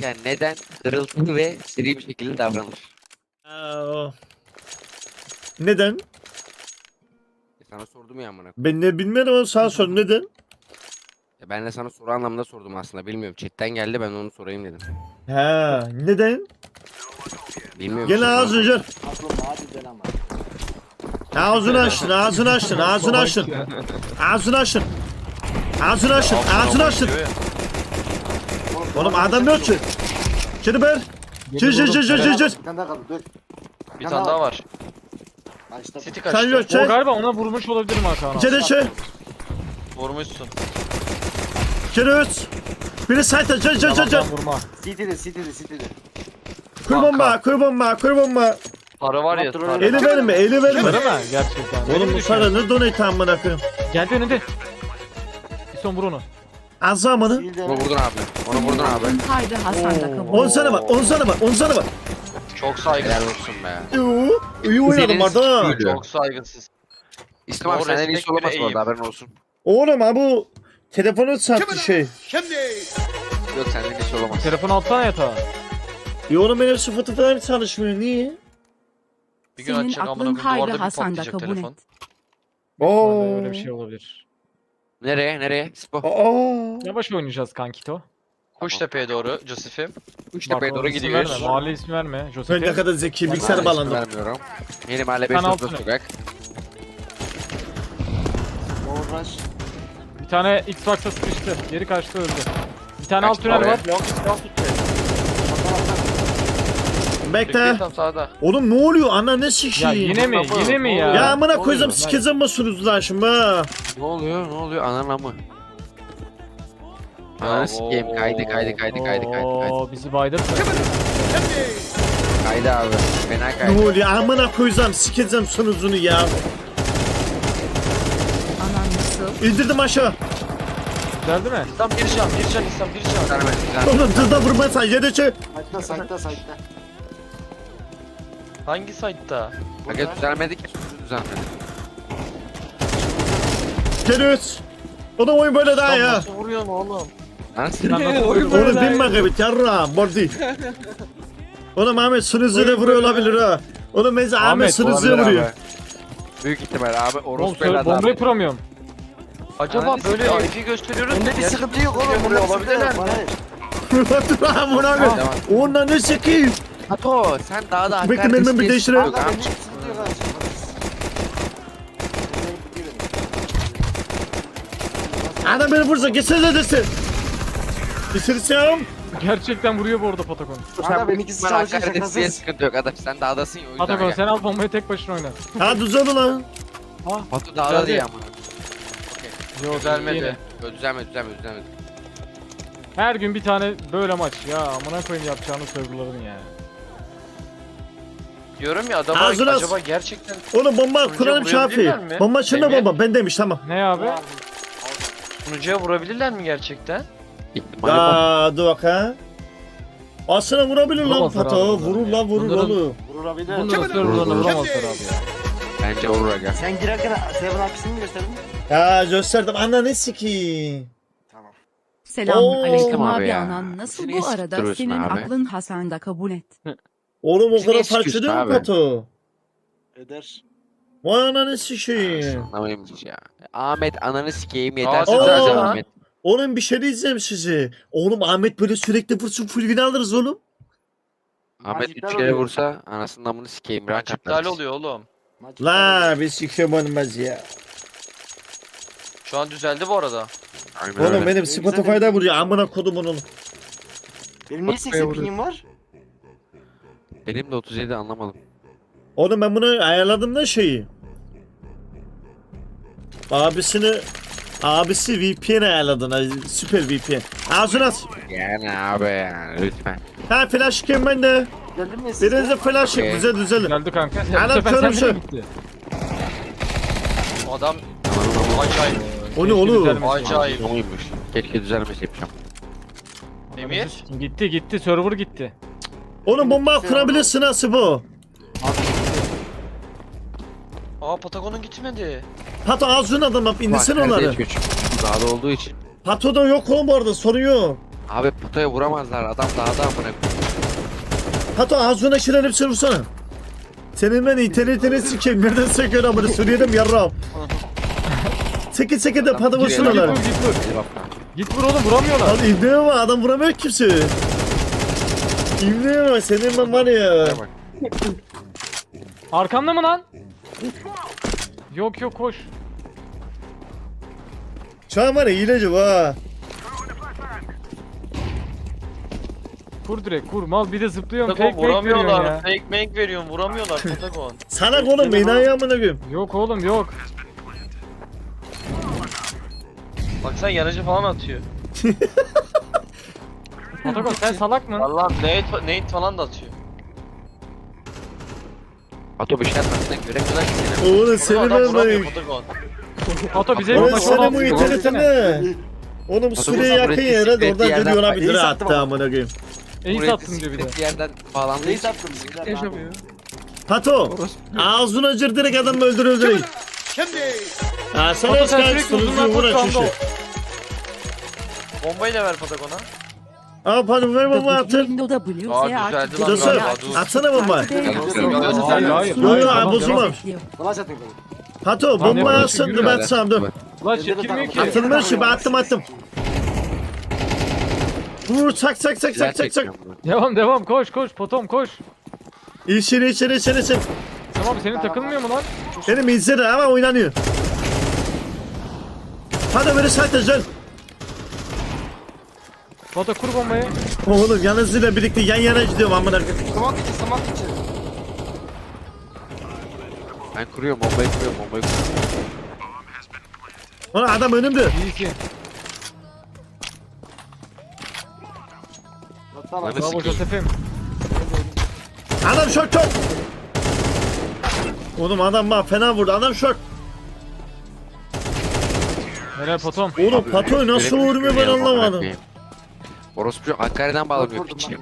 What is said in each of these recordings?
oynarken neden hırıltılı ve seri bir şekilde davranır? Neden? Sana sordum ya amına. Ben ne bilmiyorum ama sana sor neden? Ben de sana soru anlamında sordum aslında. Bilmiyorum. Chatten geldi, ben onu sorayım dedim. Ha, neden? Bilmiyorum. Gel ağzını gel. Aklım hadi ama. Ağzını açtın, ağzını açtın, ağzını açtın. Ağzını açtın. Ağzını açtın, ağzını açtın. Oğlum adam yok ki. Şimdi ben. Cır cır cır cır cır cır. Bir tane daha kaldı dur. Bir tane daha var. Açtım. City Sen kaçtı. yok O şey. galiba ona vurmuş olabilir mi Hakan abi? Cere şey. Vurmuşsun. Cere üç. Biri sayta cır cır cır cır. Yalandan vurma. City'de. Kur bomba, kur bomba, kur bomba. Para var ya. Kontrol para. Eli verme, eli verme. Değil mi? Gerçekten. Oğlum bu para ne donate amına koyayım. Geldi önünde. Bir son vur onu. Azamını. Onu vurdun abi. Onu vurdun abi. Haydi Hasan da kabul. 10 sana var, 10 sana var, 10 sana var. Çok saygısız. Helal olsun be. İyi oynadım Senin adam. sikiydi. Çok saygısız. İslam abi Doğru, senden respect iyisi olamaz bile bu arada, iyiyim. şey. haberin olsun. Oğlum ha bu telefonu sattı şey. Yok senden iyisi olamaz. Telefonu alsana yatağa. Oğlum benim sıfatı falan çalışmıyor, niye? Bir gün Senin açacak amına aklın koyayım. haydi Duvarda bir Hasan da patlayacak kabul telefon. et. Oo. Öyle bir şey olabilir. Nereye? Nereye? Spo. Aa. Yavaş oynayacağız kankito. Kuştepe'ye doğru Joseph'im. Uçtepe'ye Bak, doğru isim gidiyoruz. Verme, mahalle ismi verme. Ben ne Joseph'e. kadar zeki bilgisayar Mahalle bağlandım. ismi vermiyorum. Yeni mahalle Sen 5 altına. sokak. Uğraş. Bir tane Xbox'a sıkıştı. Geri kaçtı öldü. Bir tane alt Kaçtı tünel oraya. var. Bekle. Tam sağda. Oğlum ne oluyor? Ana ne Ya sikiyim? yine mi? Yine mi ya? Ya amına Ne koyacağım oluyor? sikeceğim basınız lan şimdi ha. Ne oluyor? Ne oluyor? Ananı mı? Ananı sikeyim. Kaydı. Oo, bizi baydırdı. Kaydı abi. Fena Ne kaydı. oluyor? Amına koyacağım sikeceğim sunuzunu ya. Anan nasıl? İndirdim aşağı. Güzel değil mi? İslam bir can, İslam bir can. Oğlum dırda vurmasan yedece. Saytta. Hangi site'da? Aga düzelmedi ki. Düzelmedi. Geliyoruz. Oğlum oyun böyle daha İslam ya. nasıl vuruyorsun oğlum? Nasıl? Oğlum binme gibi yarra bordi. Oğlum Ahmet sunuzuya vuruyor olabilir ha. Oğlum mesela Ahmet Ahmet, sunuzuya Olabilir vuruyor. abi. Büyük ihtimal abi. Oğlum Orospu evladı bombayı abi. kuramıyorum. Acaba Ananı böyle sikeyim. IP gösteriyoruz. Bunda bir Gerçek sıkıntı yok oğlum. vuruyor Bunda bir sıkıntı olabilirler yok. mi? Dur lan buna Devam. bir. Onunla ne sikiyim? Hato sen daha da Bekle, ben bir değiştireyim. Bunda bir sıkıntı yok. Adam beni vursa geçsene desin. Bitirsem. Gerçekten vuruyor bu arada Patagon. Kanka benimkisi çalışıyor şakasız. sıkıntı yok adam. Sen dağdasın ya o yüzden. Patagon aga. sen al bombayı tek başına oyna. Ha düzel ulan. Hato dağda değil ama. Yok Düzelmedi. Düzelmedi. Her gün bir tane böyle maç. Ya amına koyayım yapacağını serverların ya. Diyorum ya adama Ağzına acaba gerçekten Oğlum bomba Sunucuya kuralım Şafi. vurabilirler mi? Bomba şunda Emir? bomba. Ben demiş tamam. Ne abi? sunucuya vurabilirler mi gerçekten? İhtimali var. Ya dur bak ha. Aslında vurabilir lan Vuramazlar Pato. abi bunlar Vurur ya. lan vurur Bunların- oğlum. Vurabilir. Bunları serverlarına vuramazlar abi ya. Bence vurur aga. Sen girerken Seven Apis'ini mi gösterdin? Ya gösterdim. Anla ne sikiyim. Tamam. Selamun Oo. aleyküm Abi abi ya. anan nasıl Seni bu arada sıktırıyorsun senin abi. aklın Hasan da kabul et. Oğlum o Bizi kadar niye farklı sıkıyorsun değil mi abi? Pato? Eder. Vay ananı sikeyim. Anlamayayım ya. Ahmet ananı sikeyim yeter. Aa, Zaten aa. Ahmet. Oğlum bir şey diyeceğim size. Oğlum Ahmet böyle sürekli vursun full win alırız oğlum. Ahmet iptal 3 kere oluyor. vursa anasının amını sikeyim. Rank İptal atlarız. oluyor oğlum. Maç La bir sikem olmaz ya. Şu an düzeldi bu arada. Aynen Oğlum öyle. benim Spotify'da vuruyor. Amına kodumun oğlum. Benim niye 80 pingim var? Benim de 37 anlamadım. Oğlum ben bunu ayarladım da şeyi. Abisi VPN ayarladın ha. Süper VPN. Ağzına at. Yani abi yani lütfen. Ha flash kim bende. Geldin mi siz? Birinize flash Okey. güzel düzelir. Geldi kanka. Adam Bu sefer körüm sende şu. mi gitti? Adam Ananın amını acayip. O ne Keşke oğlum? düzelmesi. Acayip. oymuş. Keşke düzelmesi yapacağım. Emir. Gitti server gitti. Oğlum bomba kurabilirsin nasıl bu? Aa Patagon'un gitmedi. Pato ağzına adam yap indirsin Bak, onları. nerede hiç güç? Dağda olduğu için. Pato da yok oğlum bu arada sorun yok. Abi potaya vuramazlar. Adam dağda amına koyayım. Pato ağzına şiren hepsini vursana. Senin ben internetini sikeyim. Nereden söküyorsun amına? Suriye'de yarrağım. Seke de pato vursun Git onlar. vur, git vur. Hadi bak. Git vur oğlum, vuramıyorlar. Lan İbni'ye bak adam vuramıyor kimse. İbni'ye bak senin ben var ya. Hadi bak. Arkanda mı lan? Yok yok, koş. Şu an var ya hileci ha. Kur direkt, kur. Mal bir de zıplıyorum. Patagon Fake veriyorsun vuramıyorlar. ya. Fake make veriyorum. Vuramıyorlar Patagon. Salak oğlum beni ayağımına koyayım. Yok oğlum, yok. Bak sen yanıcı falan atıyor. Patagon sen salak mı? Vallahi nade falan da atıyor. Ato bir şey yapmasına göremiyorlar ki seni. Oğlum Patagon seni adam ben vuramıyor ben. Patagon. Pato bize Oğlum maç senin bu 16 internetine. Oğlum Suriye yakın Suriye yere de oradan yerden- geliyor olabilir İyi ha sattım hatta ama. amına koyayım. İyi sattın diyor bir de. Bir yerden bağlandığı Neyi için sattım? sıkıntı yaşamıyor. Pato ağzına cır direkt adamı öldürüldü. Ha sen Pato az sen kaç sürekli sunucu uzundan vur koş, şu anda açışı. ol. Bombayı da ver Patagon'a. Aa Pato ver bomba atın. Window W, Aa, Z düzeldi artı lan D, Dostum galiba, artı dur. D, atsana bomba. artı D, Hayır, artı hayır, D, hayır, artı hayır, D, hayır. Yo yo Tamam, bozulmam. bekliyor. Flash atayım. Pato Lan ne bomba yapıyorsun? atsın dur Güzel. ben atsam dur. Lan çekilmiyor ki. Atılmış gibi attım. Vur çak. Devam koş Potom koş. İçeri. Tamam senin takılmıyor mu lan? Benim izleri ama oynanıyor. Hadi beni sakla. Pato kur bombayı. Oğlum yalnızıyla birlikte yan yana gidiyorum amına. Smoke içi. Ben kuruyorum bombayı kuruyorum. Ulan adam önümde. İyisin. Tamam. Lan Bravo sikeyim. Joseph'im. Adam şort. Oğlum adam bana fena vurdu. Adam şort. Helal Potom. Oğlum Abi, Pato'yu nasıl göremiyorum, vurmuyor ben göremiyorum, amına anlamadım. koyayım. Orospu Hakkari'den bağlanıyor Vurdum piçim.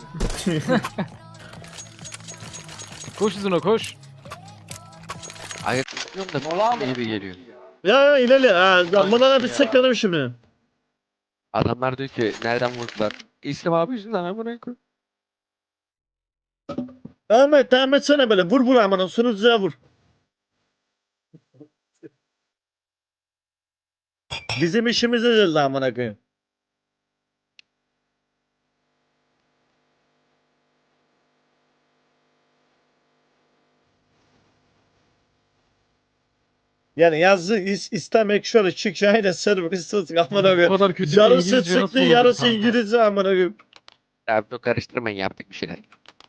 Koş uzuna koş. Ayak tutuyorum da Mola mı? iyi bir geliyor. Ya ileri. Ha, bana bir sekledim şimdi. Adamlar diyor ki nereden vurdular? İslam abi yüzünden amına koyayım. Devam etsene böyle. Vur amına. Sunucuya vur. Bizim işimize geldi amına koyayım. Yani yazdı istemek şöyle çık şahide server istedik amına Bu koyayım. kadar kötü bir Yarısı İngilizce nasıl çıktı olur yarısı kanka? İngilizce amına koyayım. Abi karıştırmayın yaptık bir şeyler.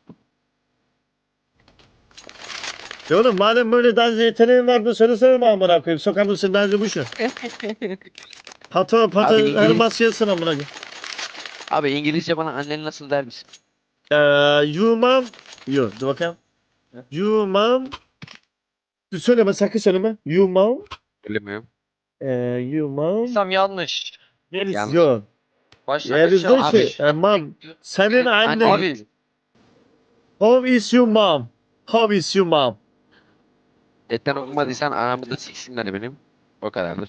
Ya oğlum madem böyle dans yeteneğin vardı söylesene mi amına koyayım. Sokak mısın bence bu şu. Pato Abi her İngiliz- basıyorsun amına koyayım. Abi İngilizce bana annen nasıl der misin? You mom. Yo dur bakayım. You mom. Dur söyleme sakın söyleme. You mom. Bilmiyorum. You mom. İslam yanlış. Yanlış. Yo. Başlangıç Yerizde yanlış. şey. Mom. Senin annen. Abi How is your mom? How is your mom? Etten okumadıysan anamı da siksinler benim. O kadardır.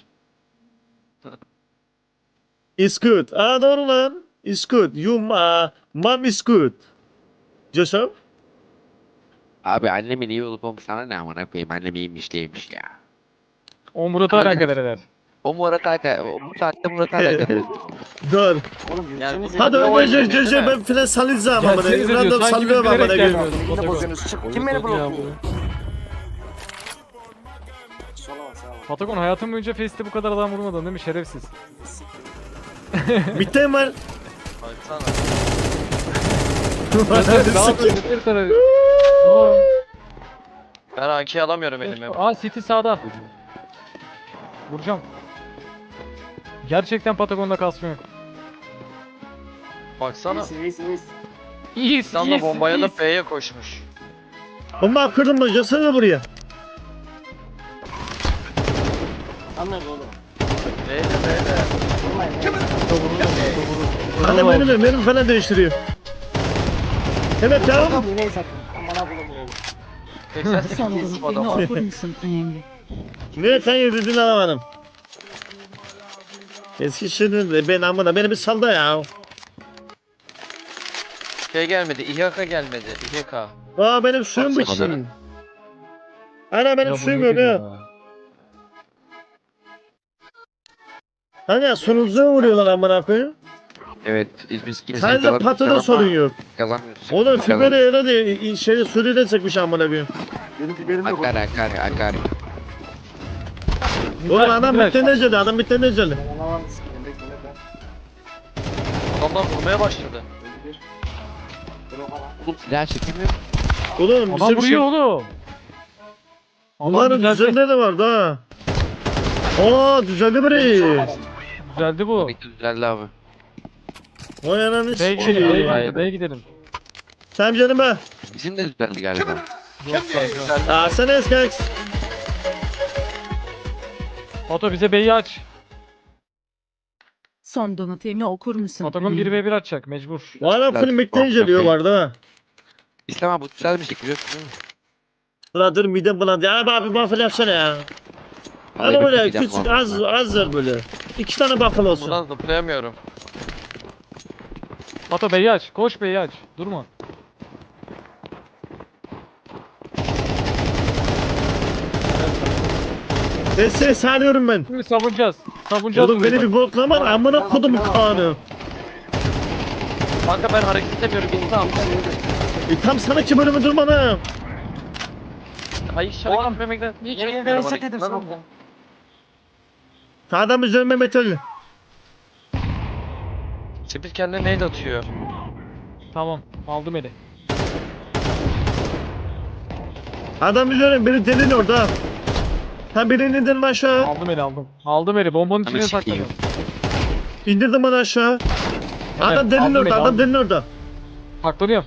It's good. Doğru lan. It's good. Mom is good. Joseph? Abi annemin iyi olup olmuş sana ne amına koyayım annem iyiymiş değilmiş ya. O Murat'a alakadar eder. O Murat Aka, bu saatte Murat Aka. Dur. Oğlum Yani- gülsenize. Hadi Yo, önce yo, yo, ben filan sallayacağım ama. Gelsenize diyor. Random Sanki biz sallıyorum ama. bilerek gelmiyorduk Yine Patagon. bozuyorsunuz. Çık. Kim beni blokluyor? Solama sağ ol. Patagon hayatım boyunca Face'te bu kadar adam vurmadın değil mi? Şerefsiz. Bitti var. baksana. Daha böyle bir tane. Ben AK alamıyorum elime. Aa City sağda. Vuracağım. Gerçekten Patagon'da kasma yok. Baksana. İyisin. İyiyiz, İslam da bombaya da B'ye koşmuş. Bomba kırdım mı? Gelsene buraya. Anladın oğlum. B'de. Annem benim falan değiştiriyor. Evet ya. Yine sattım. Bana bulamıyorum. 88 Sandal adam beni var. okur musun önemli? Ne sen yürüdün alamadım. Eskişehir'de ben amına beni bir salda ya. Şey gelmedi. İHK gelmedi. İHK. Aa benim suyum bitti. Ana benim Ya bu suyum nedir yok ya. Hani sunucuya vuruyorlar amına koyayım. Evet. Biz Sadece patada sorun yok. Kazanmıyorsun. Oğlum Fiberi herhalde şeyde Suriye'de çekmiş amına koyayım. Benim biberim yok. Akar. Oğlum adam bitti ne celi, adam bitti ne celi. Anlamam sikeyim. Bekle bekle. Adamlar vurmaya başladı. Öldü bir. Dur o kadar. Oğlum silah çekemiyor. Oğlum Adam bizim vuruyor oğlum. Bunların düzenleri de vardı ha. Aa düzenli biri. Düzeldi bu. Bitti düzeldi abi. Vay ananı B'ye gidelim, sikeyim. B'ye gidelim. Sen canım be. Bizim de düzeldi galiba. Yok kanka. Aa sen eski. Foto bize B'yi aç. Son donatımı okur musun? Fotogon 1v1 açacak mecbur. Valla film bitti inceliyor vardı ha. İslam abi bu düzelmiştik biliyorsun değil mi? Ulan dur midem bulandı. Ya abi waffle yapsana ya. Hadi Vallahi böyle bir midem küçük bulandı. az ver böyle. 2 tane waffle olsun. Buradan zıplayamıyorum. Foto B'yi aç. Koş B'yi aç. Durma. Seni sarıyorum ben. Şimdi savunacağız. Savunacağız. Oğlum beni bir boklama amına kodum kanı. Kanka ben hareket edemiyorum. İnsan. Tam sana ki bölümü durma lan. Hayır hareket etmemekten. Niye Yemin çekmiyorum ederim hareket? dedim Nasıl? sana. Adam üzerime metal. Sepil kendine nade atıyor. Tamam. Aldım eli. Adam üzerime beni delin orada. Ha birini indirdim aşağı. Aldım eli aldım. Aldım eli. Bombanın içine Ananı sakladım. sikeyim. İndirdim onu aşağı. Adam delin aldım orada, beni, adam aldım. delin orada. Saklanıyorum.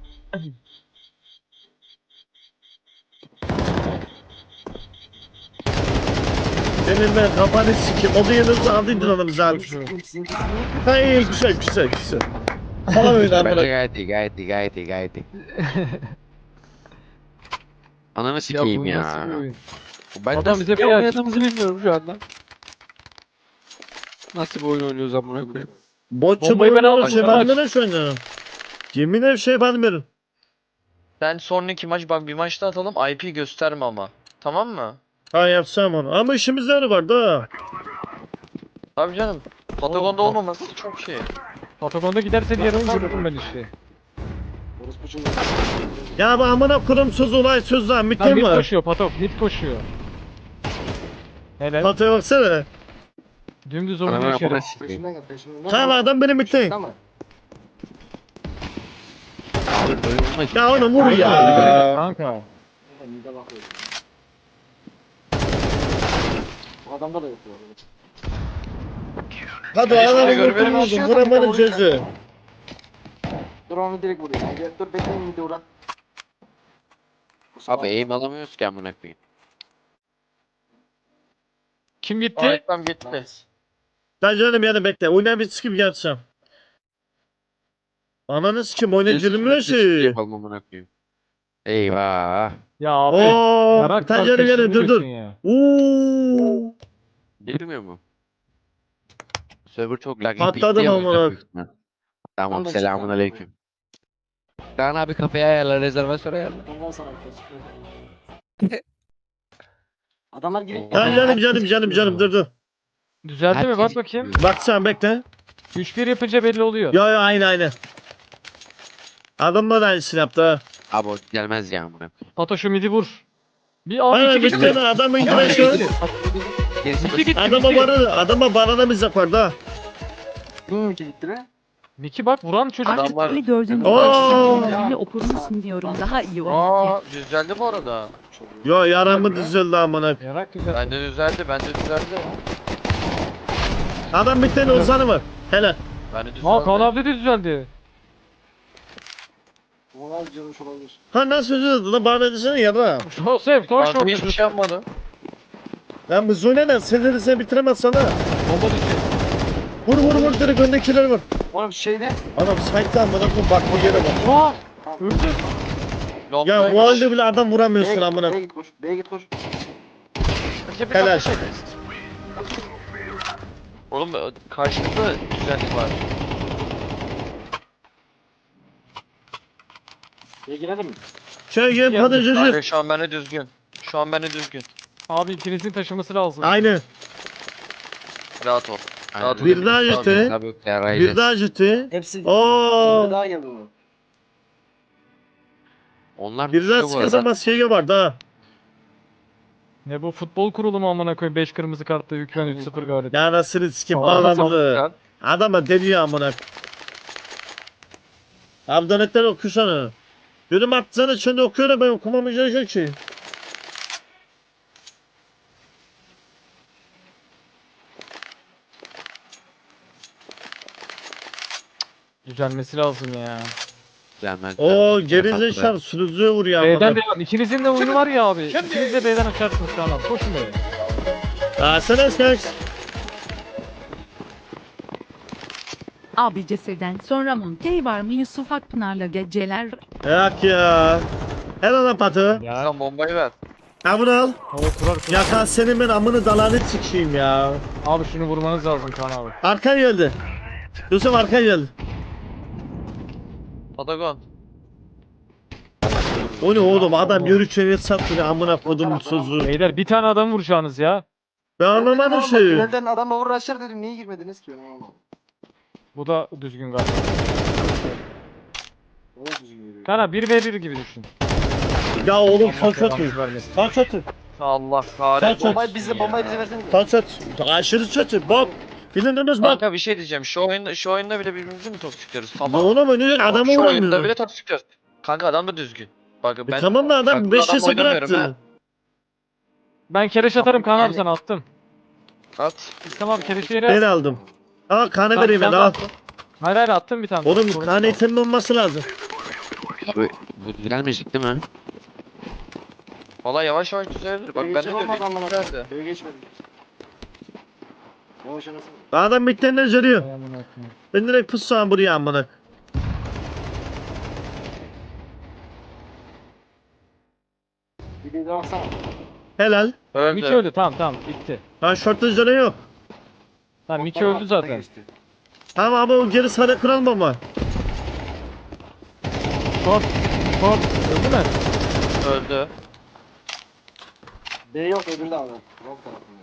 Senin ben kafanı sikeyim. O da yanınızda aldıydın onu bize abi. Sizinki Hayır güzel. Tamam öyle Bence amına. gayet iyi. Ananı sikeyim bu ya. nasıl bir oyun? Ben Adam nasıl bize bir bir oyun aç. oynadığımızı bilmiyorum şu anda. Nasıl bir oyun oynuyoruz amına koyayım? Botçu Bombayı ben boyunları aldım, şey sen aç. bandıran şu anda. Yemin ederim şey bandıran. Sen sonraki maç bak bir maçta atalım IP gösterme ama. Tamam mı? Ha yapsam onu. Ama işimizde de var da. Tabii canım. Patagon'da olmaması çok şey. Fotogonda giderse diğer oyun görürüm ben işte. orospu çocuğu. Ya bu amına kurum söz olay söz lan. Lan Mitem mid var. koşuyor Patok. Mid koşuyor. Helal. Pataya baksana. Dümdüz Ananı oynuyor içeri. amına sikeyim. Peşimden gel peşimden. Tamam adam benim mitem. Tamam. Ya onu vur ya. Kanka. Mide bakıyor. Bu adamda da yok bu arada. Hadi Hiçbir şey adamı görmedim. vurmadın. Vuramadın cezı. Dur onu direkt vurayım. Gel, dur bekleyin mide uğra. Abi aim alamıyoruz ki amına koyayım. Kim gitti? Reklam gitti. Ben canım yani bekle. Oyuna bir sıkıp yatsam. Ananı sikim oyuna girmiyor ki. Yapalım amına koyayım. Eyvah. Ya abi. Ooo. Yarak Bir tane canım yani dur dur. Ya. Uuu. Girmiyor mu? Server çok lag. Patladım bitti amına. ya, büyük ihtimal. Tamam Ondan selamun çıktı. aleyküm. Kaan abi kafeye ayarla rezervasyon ayarla. Ondan sonra keşke. Adamlar girip Lan canım dur dur. Düzeldi mi? Herkes- Bak bakayım. Baksana bekle. 3-1 yapınca belli oluyor. Ya aynı. Adamlar aynısını yaptı ha. Abi o gelmez ya amına koyayım. Pato şu midi vur. Bir abi Aynen iki bir gitti. tane adamın girişi. Gerisi Gitti gitti. Adama barana bize koydu. Kim gitti be? Miki bak vuran çocuk. Artık Adamlar- beni gördüğünde Oo. donatımı okur musun diyorum. Daha iyi o. Aa düzeldi bu arada. Yo yaramı düzüldü amına. Yarak güzel. Bende düzeldi. Adam bir tane Ozan'ı var. Hele. Bende düzeldi. Aa Kaan abi de düzeldi. Onlar canmış olabilir. Ha nasıl düzüldü lan bana desene ya da. Şu sev koş Kanka hiçbir koş. şey yapmadı. Lan bu Zuyne ne? Sen bitiremez sana. Bomba düşüyor. Vur direkt öndekileri vur. Oğlum şeyde. Adam site'da amına koyayım bak bu yere bak. Aa Tamam. öldü. Ya bu halde bile adam vuramıyorsun amına. B'ye git koş. B'ye git koş. Helal. Oğlum karşımızda düzenlik var. girelim mi? Şöyle Ya, hadi Kanka çocuk. şu an bende düzgün. Şu an bende düzgün. Abi ikinizin taşıması lazım. Aynı. Rahat ol. Rahat ol. Bir daha gitti. Tabii ki Bir yarayacağız. daha gitti. Hepsi Oo. bir daha geldi bu. Onlar Bir daha düşüyor bu arada. sıkısamaz şey var da. Ne bu futbol kurulu mu amına koyayım 5 kırmızı kartla hükmen 3-0 galip. Ya nasıl sikim Aa, adamı. Adama deniyor amına. Abdanetler okusana. Benim atsana içinde okuyorum ben okumamayacağım ki. Düzelmesi lazım ya. Gelmez. O gerizekalı sunucuya vuruyor B'den amına. devam. İkinizin de oyunu var ya abi. İkiniz de B'den açarsınız şu an abi. Koşun B'ye. Asana sen. Abi cesedden sonra Monkey var mı Yusuf Akpınar'la geceler? Yak ya. Helal lan patı. Ya. Sen bombayı ver. Ha bunu al. Hava kurar. Yakan senin ben amını dalanı çıkayım ya. Abi şunu vurmanız lazım Kaan abi. Arkan geldi. Yusuf arkan geldi. Patagon. O ne oğlum adam yürüyüşe sattı amına kodum sözü. Beyler bir tane adam vuracağınız ya. Ben anlamadım şeyi. Tünelden adamla uğraşır dedim. Niye girmediniz ki? Bu da düzgün galiba. O da düzgün yürüyor. Kaan abi 1v1 gibi düşün. Ya oğlum Allah kaç atıyor. belanızı vermesin. Kaç atıyor. Allah Kaç kahretsin. atıyor. Bombayı bize versene. Kaç atıyor. Aşırı çatı. Bak. Bilindiniz bak. Kanka bir şey diyeceğim. Şu oyunda bile birbirimizi mi toksikliyoruz? Ne Tamam. oğlum önüne adamı Şu oyunda vuramıyor. bile toksikliyoruz. Kanka adam da düzgün. Bak ben Tamam da adam Bak, 5 adam yasa oynamıyorum bıraktı. Ben kereş atarım Kaan abi sana attım. at. İslam abi kereşi yere. Ben aldım. Aa kanı Bak, vereyim ben sen al. attın. Hayır hayır attım bir tane. Oğlum Sorun kanı yok. itemin olması lazım. Abi bu düzelmeyecek değil mi? Valla yavaş yavaş düzelir. Bak ben de Geçen olmadı diyorum. amına Nerede? koyayım. Köye geçmedik. Yavaş anasını. Adam bitlerine zörüyor. Ay amına koyayım. Ben direkt pussam buraya amına. Bir de baksana. Helal. Miki Öldü. öldü tamam tamam bitti. Ha şortta zöre yok. Tamam Miki öldü zaten. Tamam ama o geri sarı kıralım ama. Short. Short. Öldü mü? Öldü. B yok öbüründe abi. Yok tarafında.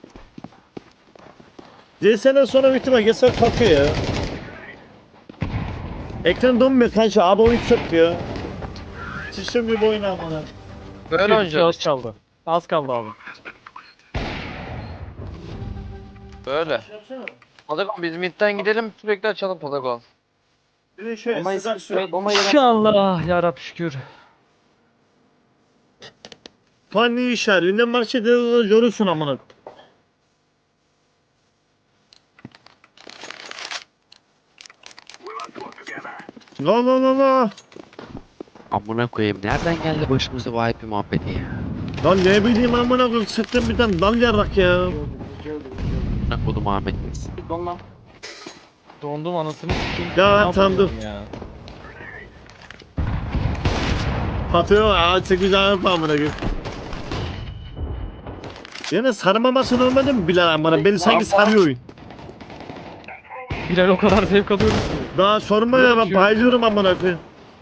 CS'den sonra bitime geçer kalkıyor ya. Ekran donmuyor kanka abi oyun çöküyor. Sıçtım bir oyun amına. Böyle Az oynayacağız. kaldı. Az kaldı abi. Böyle. Patagon biz midden gidelim sürekli açalım Patagon. Bir de şöyle Bombayı sıcak su. bombayı İnşallah yarab şükür. Fanni işar. Ünden marşede görürsün amına. La la la la. Amına koyayım. Nereden geldi başımıza bu IP muhabbeti ya? Lan ne bileyim amına koyayım sıktım bir tane dal yarrak ya. Amına kodum Ahmet. Donma. Dondum anasını sikeyim. Ya, Ne yapıyorum tamam. ya? Patıyor aa 8 tane amına koyayım. Yine sarmaması olmadı mı Bilal amına? Beni sanki sarıyor oyun. Bilal o kadar zevk alıyoruz ki. Daha sorma ya ben Yok. bayılıyorum amına koyayım.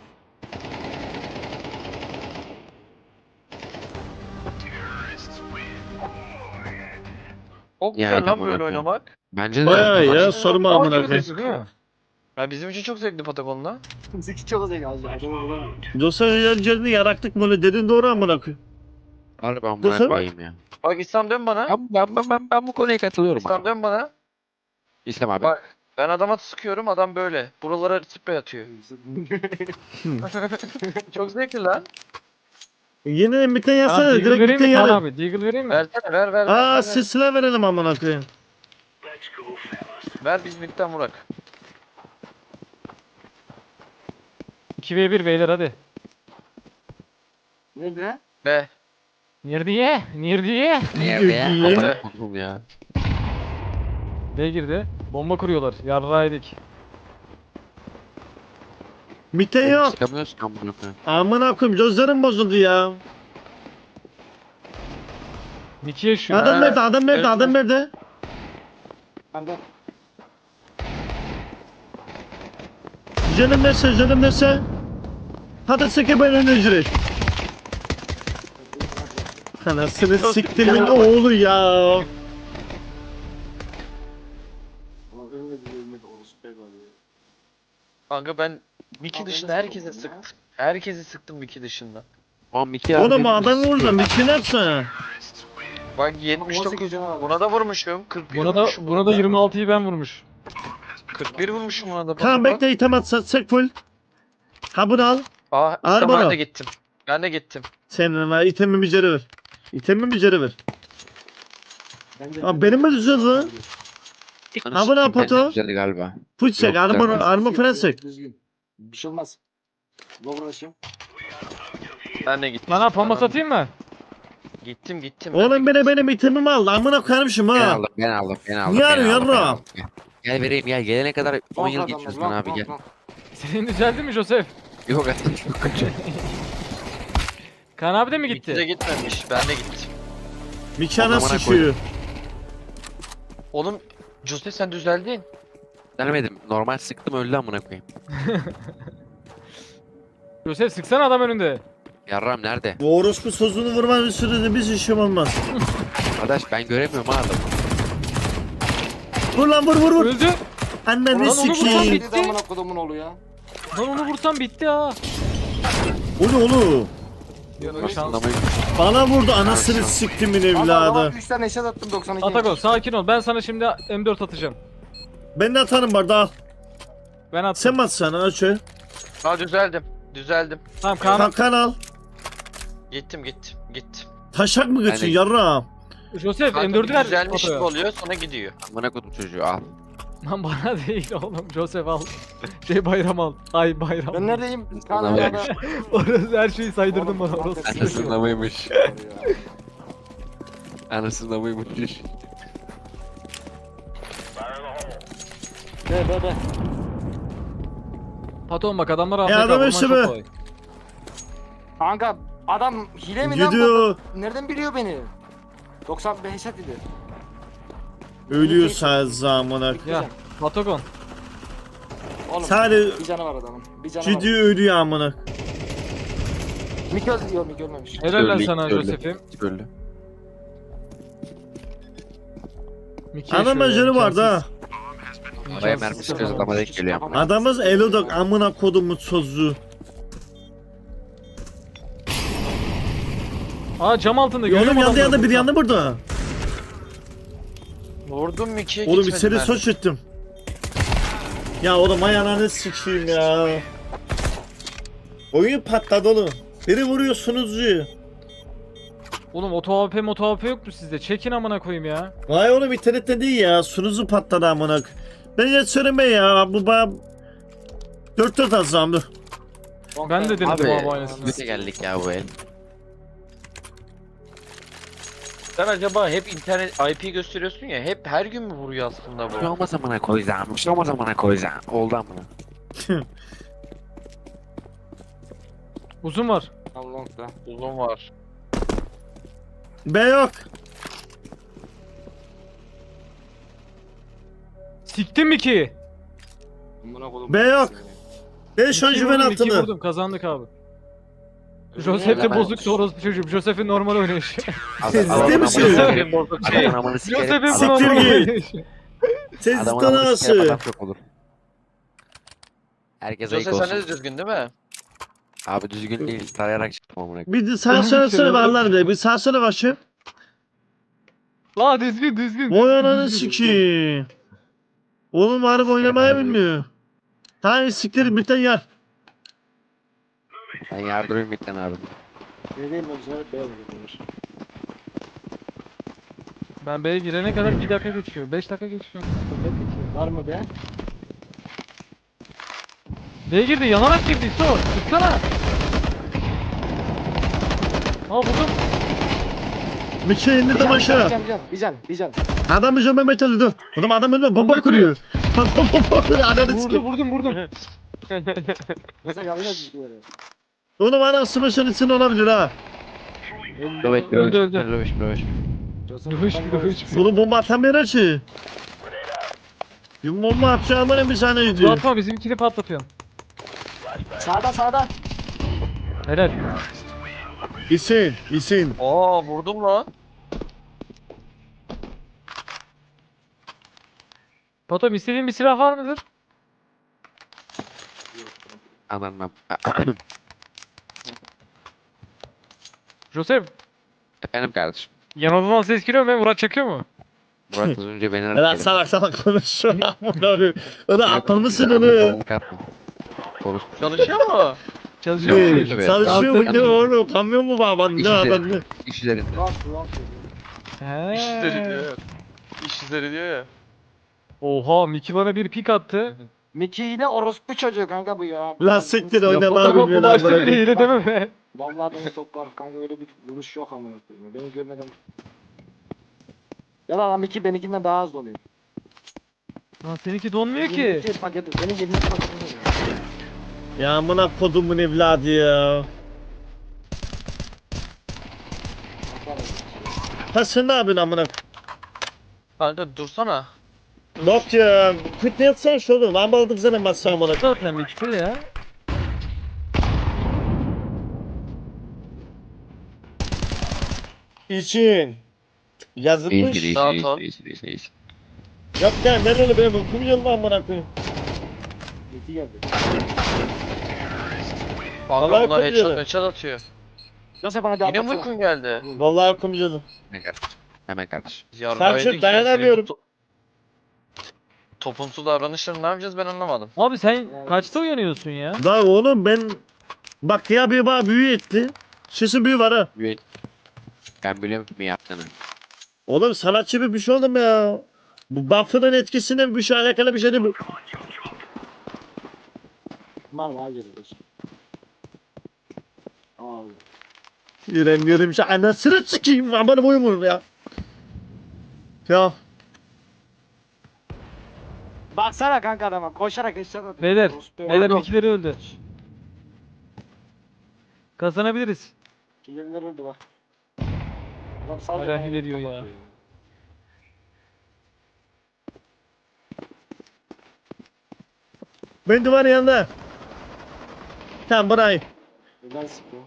Çok Ya, güzel lan amına böyle koyayım. oynamak. Bence de. Bayağı ya Bak- sorma Ama amına gibi koyayım. değil mi? Ya bizim için çok zevkli Patagon'la. Zeki çok zeki az ya. Adamı bulamıyor. Dostlar yerlerini yaraktık böyle dedin doğru amına koyayım. Harbi amına Nasıl? koyayım ya. Bak İslam dön bana. Ben bu konuya katılıyorum İslam abi. dön bana. İslam abi. Bak ben adama sıkıyorum adam böyle. Buralara sprey atıyor. Çok zevkli lan. Yine bir tane Kaan, yazsana Deagle direkt bir vereyim tane mi Kaan yazsana. abi? Deagle vereyim mi? Versene ver. Aa ver. silsile verelim amına koyayım. Ver biz midden vurak. 2v1 beyler hadi. Nerede? Be. Nerede? Nerede? Nerede ya? Niye? Amına kodum ya. B girdi. Bomba kuruyorlar. Yarraydık. Mite yok. Çıkamıyorsun amına koyayım. Amına koyayım gözlerim bozuldu ya. Miki yaşıyor. Adam Ha, nerede? Adam nerede? evet. Adam nerede? Bende. Canım nerede? Canım nerede? Hadi seke ben önce. Anasını siktimin oğlu ya. Kanka ben Mickey dışında herkese sıktım. Herkesi sıktım Mickey dışında. Oğlum iki Oğlum adam orada bir şey yapsana. Bak 79 buna da vurmuşum. 41 vurmuşum. Buna da 26'yı ben vurmuş. 41 vurmuşum ona da. Bak, Tamam bak. bekle item atsa sek full. Ha bunu al. Aa işte Al ben bana. de gittim. Ben de gittim. Senin var itemin bir ceri ver. İtemin bir ceri ver. Abi benim mi düzelt lan? Ha bu ne pato? Güzeldi galiba. Full sek Yok, armor falan sek. Düzgün. Bir şey olmaz. Lower açayım. Ben de gittim. Lan ha pampa satayım mı? Gittim. Oğlum benim itemimi al. Amına koyarmışım Ben ha. aldım, ben aldım, ben aldım. Niye ben arıyorsun aldım, ben yavrum? aldım. Gel vereyim gel. Gelene kadar 10 yıl Long geçiyoruz adamlar, lan abi long, gel. long, long. Senin düzeldi mi Joseph? Yok artık çok kötü. Kaan abi de mi Gitti de gitti? gitmemiş. Ben de gittim. Mikana Amına sıkıyor. Oğlum Jose sen düzeldin. Denemedim. Normal sıktım öldü amına koyayım. Joseph sıksana adam önünde. Yarram nerede? Bu orospu sözünü vurmanın sürede biz işim olmaz. Arkadaş ben göremiyorum ha adamı. Vur lan vur. Öldü. Anneni Ulan onu vursan sikeyim. bitti. Bir de amına kodumun oğlu ya. Lan onu vursam bitti ha. O ne oğlum? Aslında Bana vurdu anasını siktimin evladı. 3 tane eşat attım 92. Atago sakin ol. Ben sana şimdi M4 atacağım. Ben de atarım barda al. Ben attım. Sen mi atsana aç şöyle. Ha düzeldim. Tamam Kaan. Kalkan al. Gittim. Taşak mı geçin Yani- yarrağım? Joseph Kanka M4'ü ver. düzelmiş gibi Fotoya. oluyor sonra gidiyor. amına koydum çocuğu al. Lan bana değil oğlum. Joseph al. Bayram al. Ay bayram. Ben neredeyim? Kaan Vallahi- arada. Orası her şeyi saydırdın bana Oğlum, orası. Anasında mıymış? Anasında mıymış? Be. Patron bak adamlar adam AFK vurman eşi çok be. kolay. Kanka adam hile mi lan Gidiyor. bu? Nereden biliyor beni? 95 eşat dedi. Ölüyor zamana. Ya Patagon. Oğlum Sadece bir canı var adamın. Bir canı var. gidiyor ölüyor amına. Mik öldü. Yok Mik ölmemiş. Helal lan Öldü, sana öldü. Joseph'im. Öldü. Mickey Adam şöyle, acele vardı ha. Araya mermi sıkıyoruz adama denk geliyor. Adamız Elodok amına kodumu sözü. Aa cam altında görüyor Oğlum musun yandı adamları? bir yandı burada. Vurdum Mickey'e Oğlum bir gitmedi seni mermi. soç ettim. Ya oğlum ayağını sikeyim ya. Oyun patladı oğlum. Biri vuruyor sunucuyu. Oğlum oto AP yok mu sizde? Çekin amına koyayım ya. Vay oğlum internette değil ya. Sunucu patladı amına. Ben ya söyleme ya. Bu bana 4 atacağım dur. Ben de denedim Abi abi aynısını. göte geldik ya bu el. Sen acaba hep internet IP gösteriyorsun ya hep her gün mü vuruyor aslında Bir şey bu? olmaz amına koyacağım. Bir şey olmaz amına koyacağım. Oldu amına. Uzun var. Long da. Uzun var. B yok. Siktim mi ki? Buna kodum. B yok. Ben şu an İki güven vurdum, iki altında. vurdum kazandık abi. Joseph de ben- bozuk orospu çocuğum. Joseph'in normal oynayışı. Siz Adamın ciddi misiniz? amını- Bozuk şey. Adamın amını sikerim. Joseph'in Siktir normal git. oynayışı. Ses Adamın amını sikerim tanası. adam çok olur. Herkes ayık Jose sen olsun. de düzgün değil mi? Abi düzgün değil. Tarayarak çıktım amına. Bir de sağ söylesene varlar be. Bir sağ söyle başı. La düzgün. Vay ananı sikeyim. Oğlum harbi oynamayı bilmiyor. Tamam siktir bitten yer. Ben yardırıyorum bitten abi. Neredeyim ben sana B vuruyor. Ben B'ye girene kadar 1 dakika geçiyor. 5 dakika geçiyor. Var mı be? B'ye girdi yanarak girdi. Sor. Tutsana. Aa buldum. Bir şey indirdim aşağı. Bir can. Adam bize Mehmet Ali dur. Oğlum adam önüme bomba kuruyor. Bomba kuruyor ananı sikeyim. Vurdum. Mesela yanlış böyle. Oğlum anasını başının içinde olabilir ha. Döveş Öldü. döveş. Dövüş. Oğlum bomba atamıyor ki. Bir bomba atacağım bana bir saniye gidiyor. Atma bizimkini patlatıyorsun. Sağda. Helal. İsin. Aa vurdum lan. Patom istediğin bir silah var mıdır? Anlamam. Joseph. Efendim kardeşim. Yanından ses geliyor mu? Murat çekiyor mu? Murat az önce beni Lan aradı. salak konuşuyor. O da aptal mısın onu? Konuş. Çalışıyor mu? Çalışıyor. Yok, yok. Çalışıyor mu ne oğlum? Kamyon mu baban? Ne adam ne? İş üzerinde. He. İş izleri diyor. İş izleri diyor ya. Oha Miki bana bir pik attı. Mickey yine orospu çocuğu kanka bu ya. Lan siktir Ya oynama Patom bu bilmiyorum. başta beni hile deme be. Vallahi beni sokar kanka, öyle bir vuruş yok ama. Beni görmeden. Ya lan Mickey benimkinden daha az oluyor. Lan seninki donmuyor ki. Mickey paketi. Benim 20 paketim oluyor. Ya amına kodumun evladı ya. Ha sen ne yapıyorsun amına? Kanka dursana. Yok ya. Kıt ne yapsan şu oğlum. Ben balıdım sana masaya amına. Zaten Miki ya. İçin. Yazılmış. Rahat ol. Yok ya nereli benim okum yılma amına koyayım. Mickey geldi. Kanka Vallahi bunlar yapıyor. headshot atıyor. Nasıl bana Yine mi anlatsana. uykun geldi? Vallahi okum yılım. Hemen kardeşim. Hemen kardeşim. Selçuk, dayanamıyorum. Toplumsuz davranışları ne yapacağız ben anlamadım. Abi sen kaçta uyanıyorsun ya? Da oğlum ben bak ya bir bana büyü etti. Sesin büyü var ha. Ben biliyorum mi yaptığını. Oğlum sanatçı bir şey oldum ya. Bu buff'ın etkisinden bir şey alakalı bir şey değil mi? Var geliyoruz. Abi. İrem şey anasını sikeyim aman boyum ya. Ya Baksana kanka adama koşarak eşya atıyor. Beyler, Orospu beyler evladı. Miki'leri öldü. Kazanabiliriz. Kimler öldü bak. Adam sadece Hala bana hile diyor ya. bakıyor. ben duvarın yanında. Tamam burayı. Neden sıkıyor?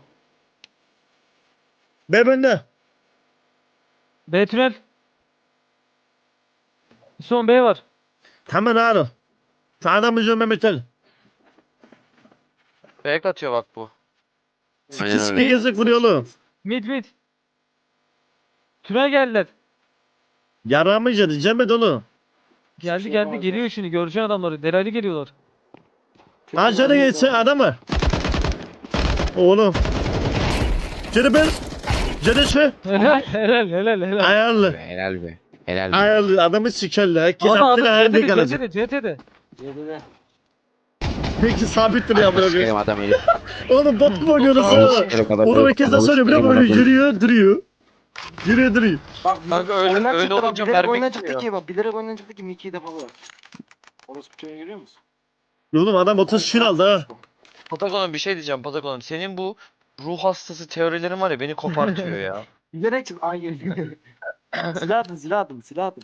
Ben bende. B tünel. Son B var. Tamam ağrı. Sağdan mı Mehmet Ali? Fake atıyor bak bu. Aynen Sikis öyle. yazık vuruyor oğlum. Mid. Tünel geldiler. Yaramayacak diyeceğim ben onu. Geldi geliyor şimdi göreceksin adamları. Delali geliyorlar. Aşağıda geçse adam var. Oğlum. Canı ben. Canı şu. Helal. Ayarlı. Helal be. Helal be. Ayarlı adamı sikerler. Herkes Adam aklına hayalde kalacak. CT'de. Yedide. Peki sabit duruyor amına koyayım. Sikerim adam herif. Oğlum bot mu oynuyoruz Ananı ha? sikerim adam Oğlum herif. herkes de Ananı söylüyor. sikerim Bırak böyle adam herif. yürüyor duruyor. Yürüyor duruyor. Bak Kanka öyle- oyundan öyle çıktı bak, olunca bilerek mermi oyundan gitmiyor. çıktı ki bak, bilerek oyundan çıktı ki Mickey'i defa var. Orospu çocuğu görüyor musun? Oğlum adam 30 şun aldı ha. Patagon'um bir şey diyeceğim Patagon'um. Senin bu ruh hastası teorilerin var ya beni kopartıyor ya. Bilerek çıktı. Ay silah atın.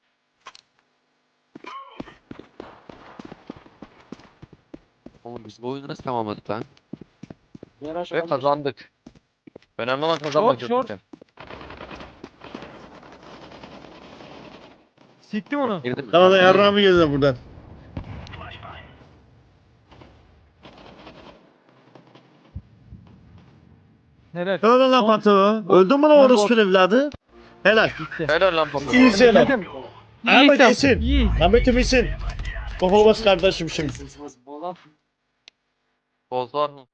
Oğlum biz bu oyunu nasıl tamamladık lan? Ve kazandık. Önemli olan kazanmak. Short. Siktim onu. Girdin mi? Tamam da yarrağımı geldi buradan. Helal. Öldün lan patronu. Öldün mü lan orospu evladı? Helal. Helal lan Patagon. İyisin lan. Ahmet İyi. iyisin. İyi. Ahmet'im iyisin. Baba bas kardeşim şimdi. Bolan. Boz var mı?